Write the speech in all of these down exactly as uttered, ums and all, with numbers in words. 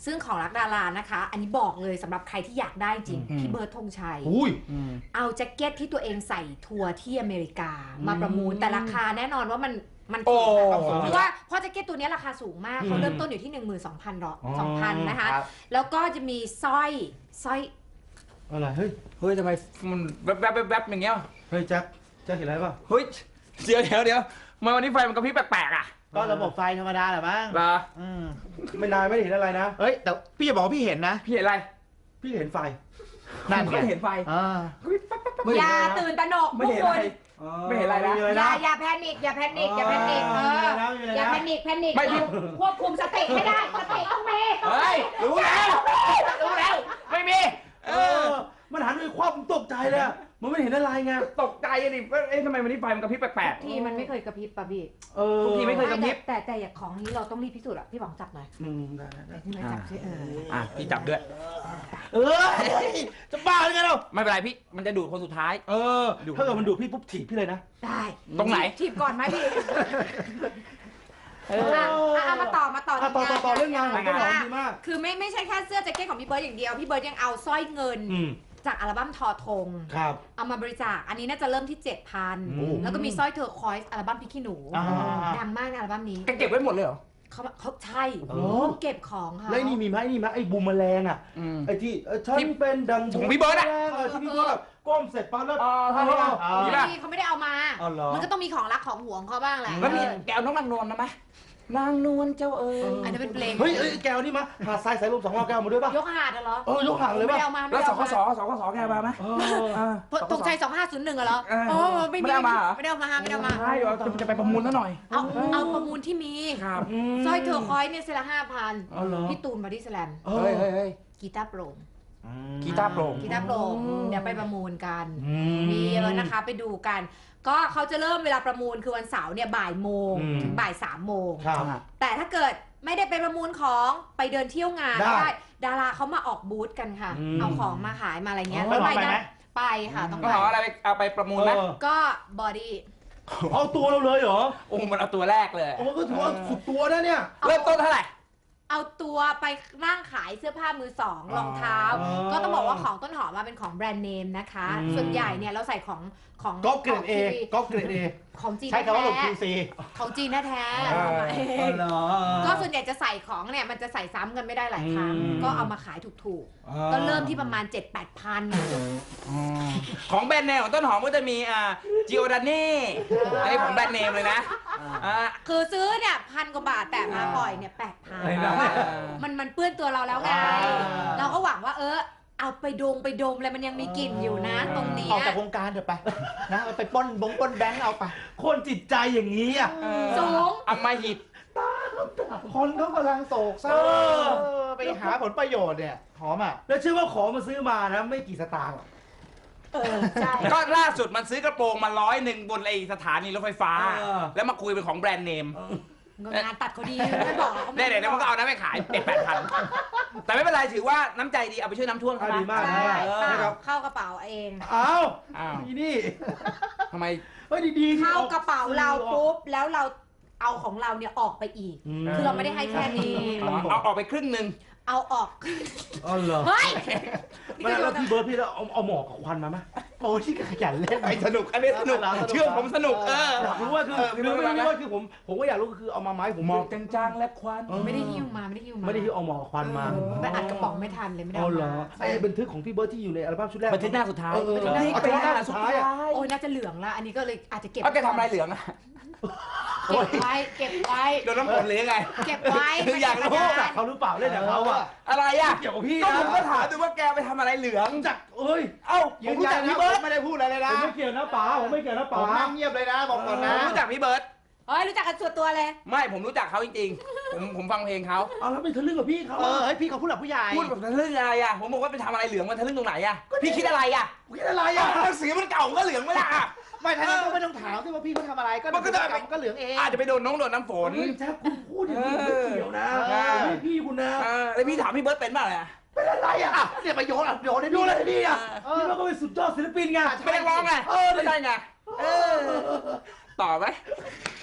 ซึ่งของรักดารานะคะอันนี้บอกเลยสำหรับใครที่อยากได้จริงพี่เบิร์ดธงชัยเอาแจ็คเก็ตที่ตัวเองใส่ทัวร์ที่อเมริกามาประมูลแต่ราคาแน่นอนว่ามันมันถูกเพราะว่าเพราะแจ็คเก็ตตัวนี้ราคาสูงมากเขาเริ่มต้นอยู่ที่ หนึ่งหมื่นสองพัน ดอลสองพันนะคะแล้วก็จะมีสร้อยสร้อยอะไรเฮ้ยเฮ้ยทำไมมันแวบแวบแวบอย่างเงี้ยเฮ้ยแจ็คแจ็คเห็นอะไรป่ะเฮ้ยเดี๋ยวเดี๋ยวเดี๋ยวมาวันนี้ไฟมันกระพริบแปลกๆอ่ะก็ระบบไฟธรรมดาแหละมั้งเหรอไม่นายไม่เห็นอะไรนะเฮ้ยแต่พี่จะบอกว่าพี่เห็นนะพี่เห็นอะไรพี่เห็นไฟนั่นไงเห็นไฟอย่าตื่นตระหนกไม่เห็นอะไรไม่เห็นอะไรนะอย่าอย่าแพนิคอย่าแพนิคอย่าแพนิคเอออย่าแพนิคแพนิคควบคุมสติไม่ได้สติต้องมีเฮ้ยรู้แล้วรู้แล้วไม่มีเออมันหันไปควับตกใจเลยมันไม่เห็นอะไรไงตกใจดิเอ๊ะทำไมวันนี้ไฟมันกระพริบแปลกๆทีมันไม่เคยกระพริบป่ะพี่เออทุกทีไม่เคยกระพริบแต่แต่อย่างของนี้เราต้องรีบพิสูจน์อ่ะพี่ป๋องจับหน่อยอืมได้ได้พี่จับสิเอออ่ะพี่จับด้วยเออจะบ้าหรือไงเราไม่เป็นไรพี่มันจะดูดคนสุดท้ายเออถ้าเกิดมันดูดพี่ปุ๊บถีบพี่เลยนะได้ตรงไหนถีบก่อนไหมพี่เออมาต่อมาต่อต่อต่อต่อเรื่องงานของพี่หอมดีมากคือไม่ไม่ใช่แค่เสื้อแจ็คเก็ตของพี่เบิร์ดอย่างเดียวพี่เบิร์ดยังเอาสร้อยเงินจากอัลบั้มทอธงเอามาบริจาคอันนี้น่าจะเริ่มที่ เจ็ดพัน แล้วก็มีสร้อยเทอร์คอยส์อัลบั้มพริกขี้หนูดังมากในอัลบั้มนี้เก็บไว้หมดเลยเหรอเขาเขาใช่เก็บของค่ะแล้วนี่มีไหมนี่ไหมไอ้บูมแมลงอ่ะไอ้ที่ฉันเป็นดังของพี่เบิร์ดอ่ะที่พี่เบิร์ดก้มเสร็จปั๊บแล้วมีป่ะเขาไม่ได้เอามามันก็ต้องมีของรักของหวงเขาบ้างแหละแล้วมีแกเอาน้องนางนวลมาไหมนางนวลเจ้าเอ๋ยอันนี้เป็นเพลงเฮ้ยแก้วนี่มาหาดทรายสายลมสองรอบแก้วมาด้วยป่ะยกหาดเหรอเออยกหาดเลยป่ะแล้วสคสสคสแกมาไหมตรงใจสองห้าศูนย์หนึ่งเหรอโอ้ไม่ได้มาไม่ได้มาไม่ได้มาใช่จะไปประมูลซะหน่อยเอาเอาประมูลที่มีสร้อยเทอร์คอยเนี่ยเซละห้าพันพี่ตูนบอดี้สแลมเฮ้ยเฮ้ยเฮ้ยกีตาร์โปร่งกีตาร์โปร่งกีตาร์โปร่งเดี๋ยวไปประมูลกันมีเยอะนะคะไปดูกันก็เขาจะเริ่มเวลาประมูลคือวันเสาร์เนี่ยบ่ายโมงถึงบ่ายสามโมงแต่ถ้าเกิดไม่ได้ไปประมูลของไปเดินเที่ยวงานได้ดาราเขามาออกบูธกันค่ะเอาของมาขายมาอะไรเงี้ยแล้วไปไหมไปค่ะต้องไปเอาอะไรเอาไปประมูลไหมก็บอดี้เอาตัวเราเลยเหรอโอ้มันเอาตัวแรกเลยโอ้ก็ถือว่าสุดตัวนะเนี่ยเริ่มต้นเท่าไหร่เอาตัวไปนั่งขายเสื้อผ้ามือสองรองเท้าก็ต้องบอกว่าของต้นหอมมาเป็นของแบรนด์เนมนะคะส่วนใหญ่เนี่ยเราใส่ของของก๊อปเกรดเอก๊อปเกรดเอของจีนใช้คำว่าหลบ คิว ซีของจีนแท้ๆก็ส่วนใหญ่จะใส่ของเนี่ยมันจะใส่ซ้ำกันไม่ได้หลายครั้งก็เอามาขายถูกๆก็เริ่มที่ประมาณ เจ็ดแปดพันของแบรนด์เนมของต้นหอมก็จะมีอ่าจิโอดานี่อันนี้ของแบรนด์เนมเลยนะคือซื้อเนี่ยพันกว่าบาทแต่มาปล่อยเนี่ยแปดพันมันมันเปื้อนตัวเราแล้วไงเราก็หวังว่าเออเอาไปดมไปดมอะไรมันยังมีกลิ่นอยู่นะตรงนี้ออกจากวงการเถอะไปนะไปป้นบงป้นแบงค์เอาไปคนจิตใจอย่างนี้อ่ะสูงอำมหิตคนเขากำลังโศกเศร้าไปหาผลประโยชน์เนี่ยหอมอ่ะแล้วเชื่อว่าของมาซื้อมานะไม่กี่สตางค์เออใช่ก็ล่าสุดมันซื้อกระโปรงมาร้อยหนึ่งบนไอสถานีรถไฟฟ้าแล้วมาคุยเป็นของแบรนด์เนมงานตัดเขาดีไม่บอกเนี่ยเดี๋ยวมันก็เอาน้ำไปขายเป็นแปดพันแต่ไม่เป็นไรถือว่าน้ำใจดีเอาไปช่วยน้ำท่วมเขาดีมากนะครับเข้ากระเป๋าเองอ้าวนี่นี่ทำไมเฮ้ยดีๆเข้ากระเป๋าเราปุ๊บแล้วเราเอาของเราเนี่ยออกไปอีกคือเราไม่ได้ให้แค่นี้เอาออกไปครึ่งหนึ่งเอาออกอ๋อเหรอเฮ้ยไม่แล้วพี่เบิร์ดพี่เอาเอาหมอกกับควันมาไหมโอ้ที่ขยันเล่นไอ้สนุกอันนี้สนุกเชื่อผมสนุกเอออยากรู้ว่าคือคือไม่รู้ว่าคือผมผมก็อยากรู้คือเอามาไม้ผมหมอกจางๆและควันไม่ได้หิ้วมาไม่ได้หิ้วมาไม่ได้หิ้วเอาหมอกควันมาไปอัดกระป๋องไม่ทันเลยไม่ได้เอาเหรอไอ้บันทึกของพี่เบิร์ดที่อยู่ในอัลบั้มชุดแรกบันทึกหน้าสุดท้ายบันทึกหน้าสุดท้ายโอ้ยน่าจะเหลืองละอันนี้ก็เลยอาจจะเก็บเอาแกทำอะไรเหลืองอะเก็บไว้เก็บไว้โดนน้ำฝนหรือยังไงเก็บไว้คืออยากรู้เขาหรือเปล่าเล่นกับเขาอะอะไรอะเกี่ยวกับพี่ก็ผมก็ถามดูว่าแกไปทำอะไรเหลืองจักเอ้ยเอ้าผมรู้จักพี่เบิร์ดไม่ได้พูดอะไรเลยนะผมไม่เกี่ยวนะป๋าผมไม่เกี่ยวนะป๋านั่งเงียบเลยนะบอกก่อนนะรู้จักพี่เบิร์ดเฮ้ยรู้จักกันส่วนตัวเลยไม่ผมรู้จักเขาจริงๆผมผมฟังเพลงเขาเอาแล้วไปทะลึ่งกับพี่เขาเออให้พี่เขาพูดแบบผู้ใหญ่พูดแบบทะลึ่งอะไรอะผมบอกว่าไปทำอะไรเหลืองมันทะลึ่งตรงไหนอะพี่คิดอะไรอะคิดอะไรอะสีมันเก่าก็เหลืองไม่ละไม่ท่านก็ไม่ต้องถามที่ว่าพี่เขาทำอะไรก็มันก็จะก็เหลืองเองอาจจะไปโดนน้องโดนน้ำฝนแจ๊คคุณพูดอย่างนี้ไม่เกี่ยวนะไม่พี่คุณนะแล้วพี่ถามพี่เบิร์ดเป็นป่ะเนี่ยเป็นอะไรอ่ะเนี่ยไปโยนอ่ะโยนได้โยนอะไรดีอ่ะพี่เบิร์ดก็เป็นสุดยอดศิลปินไงเป็นนักร้องไงเออไม่ใช่ไงเออต่อไหม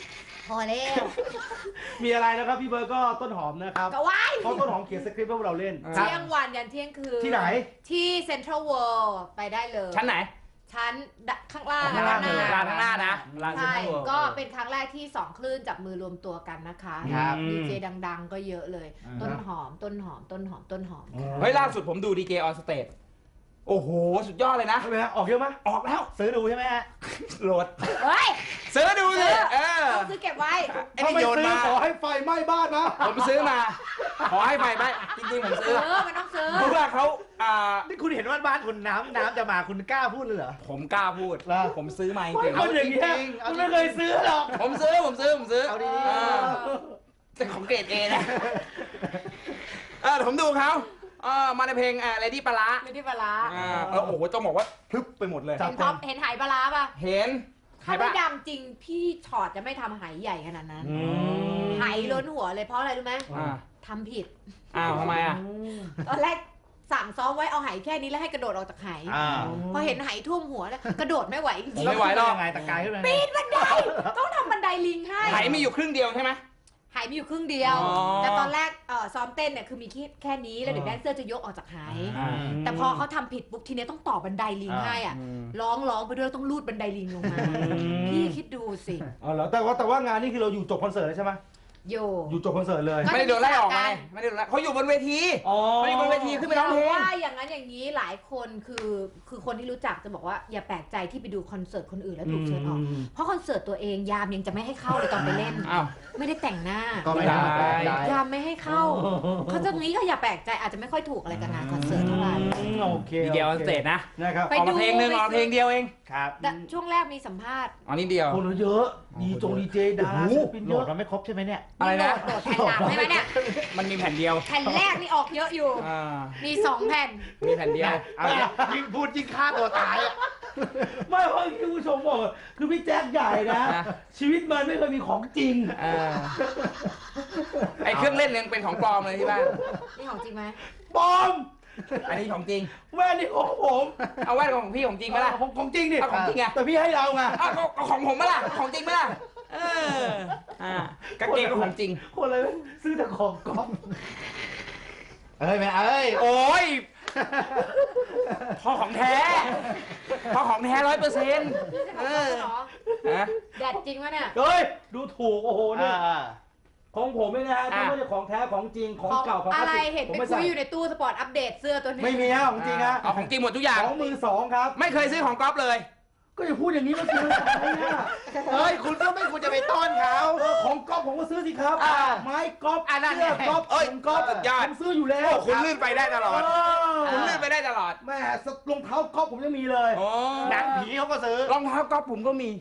พอแล้วมีอะไรนะครับพี่เบิร์ดก็ต้นหอมนะครับก็ว้ายเพราะต้นหอมเขียนสคริปต์ให้พวกเราเล่นเที่ยงวันยันเที่ยงคืนที่ไหนที่เซ็นทรัลเวิลด์ไปได้เลยชั้นไหนชั้นข้างล่างข้างล่างหน้ร้านข้างหน้านะร้านเซ็นใช่ทรัลเวิลด์ก็เป็นครั้งแรกที่สองคลื่นจับมือรวมตัวกันนะคะครับดีเจดังๆ ก็เยอะเลยอ่าต้นหอมต้นหอมต้นหอมต้นหอมเฮ้ยล่าสุดผมดูดีเจออนสเตจโอ้โห สุดยอดเลยนะทำไมฮะออกเยอะไหมออกแล้วซื้อดูใช่ไหมฮะโหลดเฮ้ยซื้อดูสิเออต้องซื้อเก็บไว้ไอ้ถ้านี่ไม่โยนซื้อมาขอให้ไฟไหม้บ้านนะผมซื้อมา ขอให้ไปไปจริงๆผมซื้เอออ มันต้องซื้อเพราะว่าเขาอ่านี่คุณเห็นว่าบ้านคุณน้ำน้ำจะมาคุณกล้าพูดเลยเหรอผมกล้าพูดเหรอผมซื้อมาจไม่ริงคนอย่างเงี้ยจริงๆเอาคุณจริงๆไม่เคยซื้อหรอกๆผมซื้อผมซื้อผมซื้อเอาดีๆเออแต่ของเกรดเอนะเออผมดูเขาเออมาในเพลงอะไรที่ปลาร้าไม่ได้ปลาร้าอ่าเออโอ้โหต้องบอกว่าพลึบไปหมดเลยเห็นท็อปเห็นหายปลาร้าป่ะเห็นถ้าไม่ปะดังจริงพี่ชอตจะไม่ทำหายใหญ่ขนาดนั้นอืมหายล้นหัวเลยเพราะอะไรรู้ไหมอ่าทำผิดอ้าวทำไมอ่ะตอนแรกสั่งซ้อมไว้เอาหายแค่นี้แล้วให้กระโดดออกจากหายอ่าพอเห็นหายท่วมหัวแล้วกระโดดไม่ไหวจริงไม่ไหวหรอกยังไงตะกายขึ้นมาๆปีนบันไดต้องทำบันไดลิงให้ไหมีอยู่ครึ่งเดียวใช่ไหมหายมีอยู่ครึ่งเดียวอ๋อแต่ตอนแรกเอ่อซ้อมเต้นเนี่ยคือมีแค่แค่นี้แล้วเดี๋ยวแดนเซอร์จะยกออกจากหายอ่าแต่พอเขาทำผิดปุ๊บทีนี้ต้องต่อบันไดลิงให้อ่ะร้องร้องไปด้วยต้องลูดบันไดลิงลงมา พี่คิดดูสิอ๋อเหรอแต่ว่าแต่ว่างานนี้คือเราอยู่จบคอนเสิร์ตเลยใช่ไหมโยอยู่จบคอนเสิร์ตเลยก็ไม่ได้โดนไล่ออกไงไม่ได้โดนไล่เขาอยู่บนเวทีอ๋อไม่ได้บนเวทีขึ้นไปร้องเพลงว่าอย่างนั้นอย่างนี้หลายคนคือคือคนที่รู้จักจะบอกว่าอย่าแปลกใจที่ไปดูคอนเสิร์ตคนอื่นแล้วถูกเชิญออก เพราะคอนเสิร์ตตัวเองยามยังจะไม่ให้เข้าเลยตอนไปเล่นอ้าวไม่ได้แต่งหน้าก็ไม่ได้ได้ได้ยามไม่ให้เข้าเขาจะงี้ก็อย่าแปลกใจอาจจะไม่ค่อยถูกอะไรกับงานคอนเสิร์ตเท่าไหร่อืมโอเคดีเดียวสเตจนะนะครับไปออกมาเพลงหนึ่งออกมาเพลงเดียวเองครับแต่ช่วงแรกมีสัมภาษณ์อ๋อนิดเดียวคนเยอะดีจงดีเจดาราศิลปินโหเยลอะดมันไม่ครบใช่ไหมเนี่ยอะไรนะโหลดแผ่นหลังใช่ไหมเนี่ยมันมีแผ่นเดียวแผ่นแรกนี่ออกเยอะอยู่อ่ามีสองแผ่นมีแผ่นเดียวเอาเนี่ยยิ่งพูดยิ่งฆ่าตัวตายอะไม่เพราะที่ผู้ชมบอกคือพี่แจ๊คใหญ่นะนะชีวิตมันไม่เคยมีของจริงเออไอเครื่องเล่นยังเป็นของปลอมเลยที่บ้านนี่ของจริงไหมปลอมอันนี้ของจริงแว่นนี่ของผมเอาแว่นของพี่ของจริงไหมล่ะของของจริงดิเอาของจริงไงแต่พี่ให้เราไงอ้าวก็ก็ของผมไหมล่ะของจริงไหมล่ะเอออ่ากางเกงก็ของจริงคนเลยซื้อแต่ของก๊อฟเอ้ยแม่เอ้ยโอ้ยพอของแท้พอของแท้ร้อยเปอร์เซ็นต์นี่จะของเขาเหรอฮะแดดจริงวะเนี่ยเฮ้ยดูถูกโอ้โหเนี่ยอ่าของผมไม่นะฮะอ่ะไม่ใช่ของแท้ของจริงของเก่าของอะคลาสไรสิกเห็นผมไปไม่คุใส่ยอยู่ในตู้สปอร์ตอัปเดตเสื้อตัวนี้ไม่มีฮะของจริงฮะเอาของจริงหมดทุกอย่างของมือสองครับไม่เคยซื้อของก๊อฟเลยก็อย่าพูดอย่างนี้มาซื้ออะไรเนี่ยเฮ้ยคุณก็ไม่ควรจะไปต้อนเขาเออของก๊อฟผมก็ซื้อสิครับอ่าไม้ก๊อฟอ่านั่นเสื้อก๊อฟเอ้ยถุงก๊อฟสุดยอดผมซื้ออยู่แล้โอ้วคุณลื่นไปได้ตลอดเออคุณลื่นไปได้ตลอดแม่รองเท้าก๊อฟผมยังมีเลยโอ้หนังผีเขาก็ซื้อรองเท้าก๊อฟผมก็มี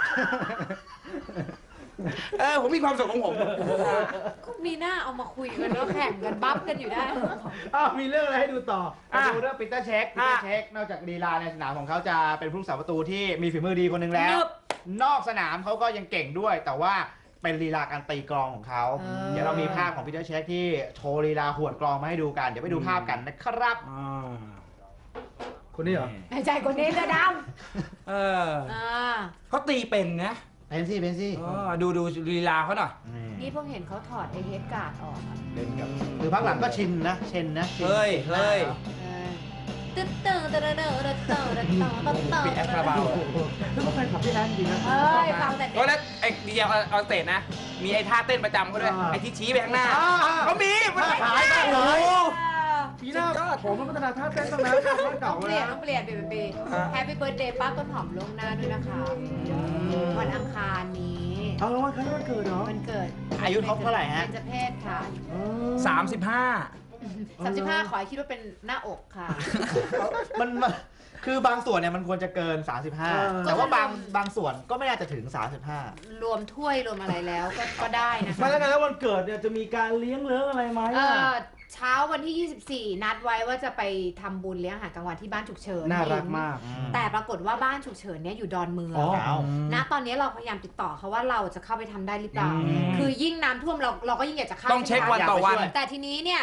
เออผมมีความสุขของผมก็มีหน้าเอามาคุยกันแล้วแข่งกันบัฟกันอยู่ได้อ้าวมีเรื่องอะไรให้ดูต่อมาดูเรื่องปีเตอร์เช็คปีเตอร์เช็ค นอกจากลีลาในสนามของเขาจะเป็นผู้รักษาประตูที่มีฝีมือดีคนหนึ่งแล้วนึบนอกสนามเขาก็ยังเก่งด้วย แต่ว่าเป็นลีลาการตีกลองของเขาเออเดี๋ยวเรามีภาพของปีเตอร์เช็คที่โชว์ลีลาหวดกลองมาให้ดูกัน เดี๋ยวไปดูภาพกันนะครับคนนี้เหรอในใจคนนี้เสื้อดเออำอ่าเขาตีเป็นนะเป็นซี่เป็นซี่เออดูดูลีลาเขาหน่อยนี่เพิ่งเห็นเขาถอดไอเฮดการ์ดออกอะเล่นกับคือพักหลังก็ชินนะชินนะชินเฮ้ยเฮ้ยเออตึ๊ดเตอร์เตอร์เตอร์เตอร์เตอร์เตอร์เตอร์เตอร์เตอร์ปีแอปคาราบาวนึกว่าแฟนคลับพี่แอนจริงนะเอ้ยฟังแต่ก็แล้วไอ้ดีเจออนสเตจนะ มีไอ้ท่าเต้นประจำเขาด้วยอ่าไอ้ที่ชี้ไปข้างหน้าอ่าเขามีมันขายได้เลโอ้ยโหปีหน้าผมมันพัฒนาท่าเต้นตั้งนานท่าต้เก่าองเปแล้ลี่ยนวต้องเปลี่ยนเปลี่ยนเปลี่ยนแฮปปี้เบิร์ดเดย์ป้าต้นหอมล่วงหน้าด้วยนะคะ วันอังคารนี้เอาแล้ววันคล้ายวันเกิดเหรอวันเกิดอายุครบเท่าไหร่ฮะเป็นเจเพศค่ะสามสิบห้าสามสิบห้าขอให้คิดว่าเป็นหน้าอกค่ะมันมันคือบางส่วนเนี่ยมันควรจะเกิน สามสิบห้าเออแต่ว่าบางบางส่วนก็ไม่น่าจะถึง สามสิบห้ารวมถ้วยรวมอะไรแล้วก็ก็ได้นะคะมาแล้วกันแล้ววันเกิดเนี่ยจะมีการเลี้ยงเลี้ยงอะไรไหมเออ่ะอเช้าวันที่ยี่สิบสี่นัดไว้ว่าจะไปทำบุญเลี้ยงอาหารกลางวันที่บ้านฉุกเฉินน่ารักมากแต่ปรากฏว่าบ้านฉุกเฉินเนี่ยอยู่ดอนเมืองอ๋อเอาณตอนนี้เราพยายามติดต่อเขาว่าเราจะเข้าไปทำได้หรือเปล่าอืมคือยิ่งน้ำท่วมเราเราก็ยิ่งอยากจะเข้าต้องเช็ควันต่อวันแต่ทีนี้เนี่ย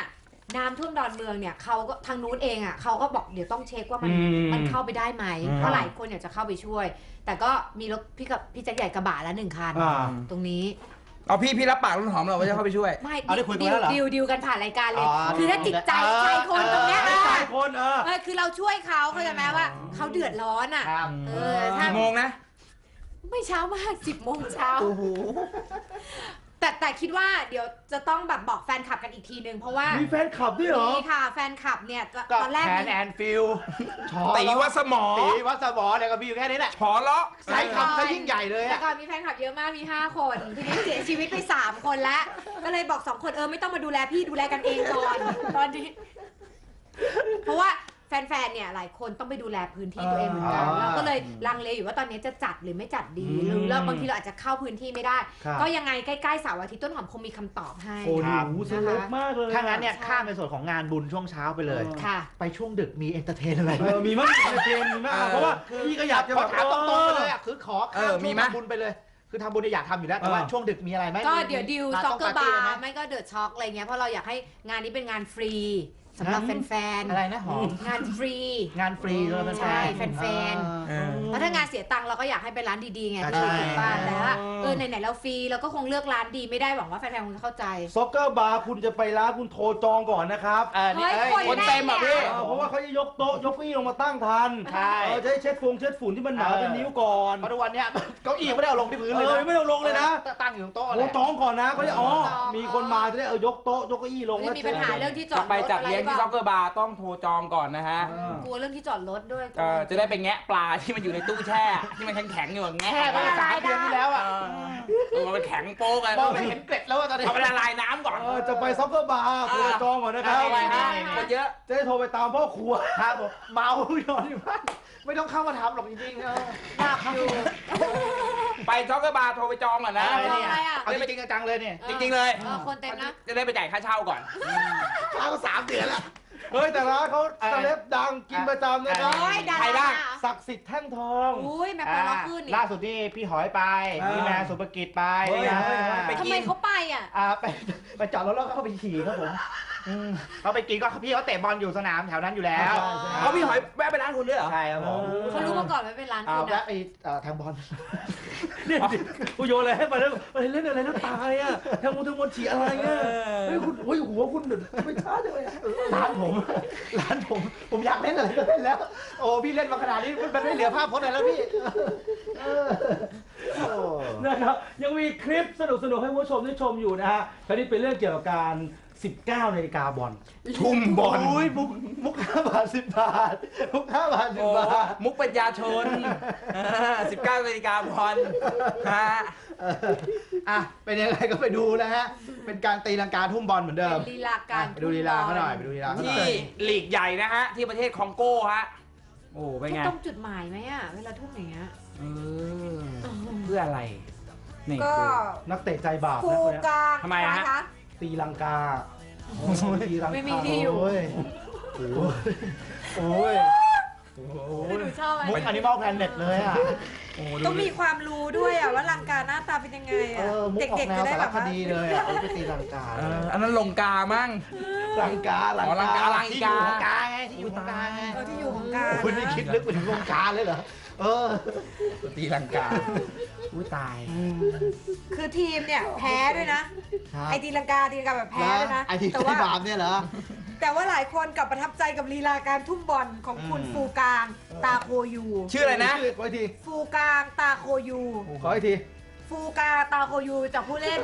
น้ำท่วมดอนเมืองเนี่ยเขาก็ทางนู้นเองอ่ะเขาก็บอกเดี๋ยวต้องเช็คว่ามันอืมมันเข้าไปได้ไหมอืมเพราะหลายคนอยากจะเข้าไปช่วย แต่ก็มีรถพี่กับพี่แจ็คใหญ่กระบะแล้วหนึ่งคันอ่าตรงนี้เอาพี่พี่รับปากต้นหอมเราว่าจะเข้าไปช่วยไม่เอาได้คุยกันดิแล้วเหรอดิวดิวกันผ่านรายการเลยอ๋อคือถ้าจิตใจเออใจคนตรงเนี้ยเออใจคนเออเออคือเราช่วยเขาเข้าใจไหมว่าเขาเดือดร้อนอ่ะครับเออถ้ากี่โมงนะไม่เช้ามากสิบโมงเช้าโอ้โหแต่แต่คิดว่าเดี๋ยวจะต้องแบบบอกแฟนคลับกันอีกทีนึงเพราะว่ามีแฟนคลับด้วยเหรอมีค่ะแฟนคลับเนี่ยตก็ตอนแรกแทนมีแอนฟิลตีวัดสมอตีวัดสมอเนี่ยก็มีอยู่แค่นี้แหละฉอเลาะใช้คำซะยิ่งใหญ่เลยแต่อะก่อนมีแฟนคลับเยอะมากมีห้าคนทีนี้เสียชีวิตไปสามคนแล้วก็เลยบอกสองคนเออไม่ต้องมาดูแลพี่ดูแลกันเองก่อนตอนนี้เพราะว่าแฟนๆ เนี่ยหลายคนต้องไปดูแลพื้นที่ตัวเองเหมือนกันอ่าเราก็เลยลังเลอยู่ว่าตอนนี้จะจัดหรือไม่จัดดีอืมหรือเราบางทีเราอาจจะเข้าพื้นที่ไม่ได้ครับก็ยังไงใกล้ๆเสาร์อาทิตย์ต้นหอมคงมีคำตอบให้โอ้โหเซเลบมากเลยถ้างั้นเนี่ยข้ามในส่วนของงานบุญช่วงเช้าไปเลยค่ะไปช่วงดึกมีเอนเตอร์เทนอะไรไหเอมอมีมั้ยมีเกมมีมั้ยอ่ะเพราะว่าพี่ก็อยากจะขแบอบ ถามตรงๆไปเลยอ่ะคือขอเอข้ามอมีช่วงไหมทำบุญไปเลย คือทำบุญเนี่ยอยากทำอยู่แล้วแต่ว่าเออช่วงดึกมีอะไรไหมก็มีเดี๋ยวดิวมีซ็อกเกอร์บาต้งร์ไหมไม่ก็เดอะช็อคอะไรเงี้ยเพราะเราอยากให้งานนี้เป็นงานฟรีสำหรับแฟนอะไรนะหอมๆงานฟรีงานฟรีเลยเป็นใช่แฟนเออเพราะถ้างานเสียตังค์เราก็อยากให้เป็นร้านดีๆไงอ่าพี่ใช่ถูกป่ะแต่ว่าเออไหนๆเราฟรีเราก็คงเลือกร้านดีไม่ได้หวังว่าแฟนๆคงจะเข้าใจซ็อกเกอร์บาร์คุณจะไปร้านคุณโทรจองก่อนนะครับเออนี่เฮ้ยเอ้ยคนคนเต็มอ่ะพี่เออเพราะว่าเขาจะยกโต๊ะยกเก้าอี้ลงมาตั้งทันใช่เออจะได้เช็ดฟงเช็ดฝุ่นที่มันหนาเป็นนิ้วก่อนเพราะทุกวันเนี้ยเก้าอี้ยังไม่ได้เอาลงที่พื้นเลยเออนะไม่ได้เอาลงเลยนะตั้งอยู่ตรงโต๊ะโอ้เลยจองก่อนนะเขาจะอ๋อจองมีคนมาจะได้เอายกโต๊ะยกเก้าอี้ลงไม่มีปัญหาเรื่องที่จอจะดไปรถจัดอะไรเลี้ยงที่เปซ็ล่าอกเกอร์บาร์ต้องโทรจองก่อนนะฮะเออกลัวเรื่องที่จอดรถด้วยเออจะได้ไปแงะปลาที่มันอยู่ในตู้แช่ ที่มันแข็งๆอยู่อะแงะแค่ไปออกสามมาเดือนที่แล้วเออ่ะอเออมันแข็งโป๊กอะมองไม่เห็นเกล็ดแล้วอะตอนนี้เอาไปละลายน้ำก่อนเออจะไปซ็อกเกอร์บาร์โทรจองก่อนนะครับเอาไปฮะได้ค่ะคนเยอะจะได้โทรไปตามพ่อครัวครับผมเมานอนอยู่บ้านไม่ต้องเข้ามาทำหรอกจริงๆเออหน้าอยู่ไปซ็อกเกอร์บาร์โทรไปจองก่อนนะอะไรเนี่ยอะไรอะเอาจริงๆจังๆเลยเนี่ยจริงๆเลยเออคนเต็มนะจะได้ไปจ่ายค่าเช่าก่อนเข้าสามเดือนแล้วเฮ้ยแต่ร้านเขาเออเซเลบดังกินประจำนะครับโอ้ยดาใครบ้างราศักดิ์สิทธิ์แท่งทองอุ้ยแม่ปลาล็อกขึ้นนี่ล่าสุดนี่พี่หอยไปอ่าพี่แมนสุภกิจไปเฮ้ยนะเฮ้ยเฮ้ยไปทำไมเขาไปอ่ะอ่าไปไปจอดรถแล้วก็เข้าไปขี่ครับผมอืมเขาไปกินก็พี่เขาเตะบอลอยู่สนามแถวนั้นอยู่แล้วใช่ใช่เขาพี่หอยแวะไปร้านคุณด้วยเหรอใช่ครับผมเขารู้มาก่อนว่าเป็นร้านอ่าคุณแวะนะไปเอ่อทางบอลเนี่ยกูโยนอะไรให้ไปแล้วไปเล่นอะไรแล้วตายอ่ะแทงมุนทงมนฉีอะไรเงี้ยเฮ้ยคุณโอ้ยหัวคุณเดือดไม่ช้าจังเลยอะร้านผมร้านผมผมอยากเล่นอะไรก็เล่นแล้ว โอ้พี่เล่นมาขนาดนี้มันไม่เหลือภาพพจน์อะไรแล้วพี่เออโอ้นะครับยังมีคลิปสนุกๆให้คุณผู้ชมได้ชมอยู่นะฮะคราวนี้เป็นเรื่องเกี่ยวกับการ สิบเก้านาฬิกาบอลทุ่มบอลอุ้ยมุกมุกห้าบาทสิบบาทมุกห้าบาทสิโอ้บบาทมุกปัญญาชนสิบเก้านาฬิกาบอลฮะอ่ะเป็นยังไงก็ไปดูนะฮะเป็นการตีลังกาทุ่มบอลเหมือนเดิมเป็นลีลาการไปดูลีลาเขาหน่อยไปดูลีลาเขาหน่ที่อยลีกใหญ่นะฮะ ที่ประเทศคองโก้ฮะ โอ้เป็นทุกไงตรงจุดหมายไหมอ่ะ เวลาทุ่มอย่างเงี้ยเออเพื่ออะไรนี่ก็นักเตะใจบาปฟูนะคนเนี้ยกลางทำไมฮะคะตีลังกาตีลังกาไม่มีที่อยู่โอ้ยโอ้ยโอ้ยโอ้ไม่ยดูชอบไหมมุกอนิมอลแพลเน็ตเลยอ่ะโอ้ต้องมีความรู้ด้วยอ่ะว่าลังกาหน้าตาเป็นยังไงเออ่ะอมุกออเด็กกแนๆวจะได้สาแบรบคว่าดีเลยอ่ะเอาไปตีลังกาเอออันนั้นลงกามั่งลังกาลังอ๋อลังกาลังที่อยู่ของกาไงที่อยู่ของกาไงเออที่อยู่ของกาคุณนี่คิดลึกไปถึงวงการเลยเหรอเออตีลังกาอุ้ยตายคือทีมเนี่ยแพ้ด้วยนะ ไอตีลังกาตีลังกาแบบแพ้ด้วยนะไอที่แต่ที่ว่าบาปเนี่ยเหรอแต่ว่าหลายคนกลับประทับใจกับลีลาการทุ่มบอลของคุณอืมฟูกลางตาโคยูชื่ออะไรนะชื่ขออีกทีฟูกลางตาโคยูขออีกทีฟูกลางตาโคยูจากผู้เล่น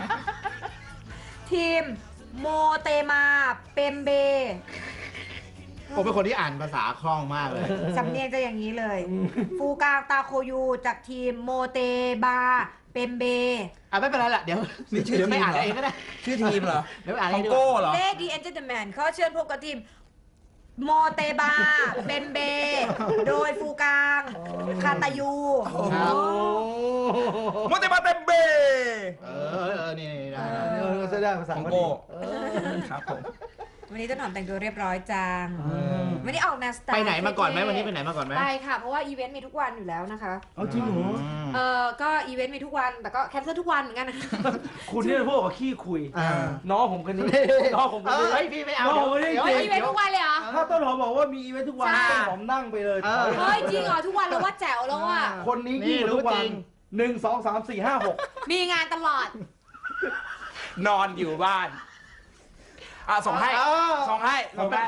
ทีมโมเตมาเปมเบผมเป็นคนที่อ่านภาษาคล่องมากเลยสำเนียงจะอย่างนี้เลย ฟูกลางตาโคยูจากทีมโมเตบาเปมเบอ่ะไม่เป็นไรละเดี๋ยวนี่ชื่อเดี๋ยวไม่ทีมอ่านเหรอเองก็ได้ชื่อทีมเหรอเดี๋ยวไม่อ่านคเออง งดีกโก้ว่าเหรอเลดี้แอนเจอร์แมนเขาเชิญพบกับทีมโมเตบาเบมเบ โดยฟูกางคาตายูครับโมเตบาเต็มเบเออเออนี่นี่ได้เออก็จะได้ภาษาคองพอดีโก้เออครับผมวันนี้ต้นหอมแต่งตัวเรียบร้อยจังวันนี้ออกแนวสไตล์ไปไหนมาก่อนไหมวันนี้ไปไหนมาก่อนไหมไปค่ะเพราะว่าอีเวนต์มีทุกวันอยู่แล้วนะคะเอาจริงเหรอเออก็อีเวนต์มีทุกวันแต่ก็แคนเซิลทุกวันเหมือนกันนะคุณเนี่ยพวกกับขี้คุยอ่าน้องผมคนนี้น้องผมคนเออนี้เฮ้ยพี่ไม่เอาน้องผมคนนี้เดี๋ยวจริงอีเวนต์ทุกวันเลยเหรอถ้าต้นหอมบอกว่ามีอีเวนต์ทุกวันใช่ต้นหอมนั่งไปเลยเออเฮ้ยจริงเหรอทุกวันแล้วว่าแจ๋วแล้วอ่ะคนนี้นี่ยิ่งกว่าทุกรู้วัจรินงหนึ่งสองสามสี่ห้าหกมีงานตลอดนอนอยู่บ้านอ่ะส่งให้เออส่งให้ส่งให้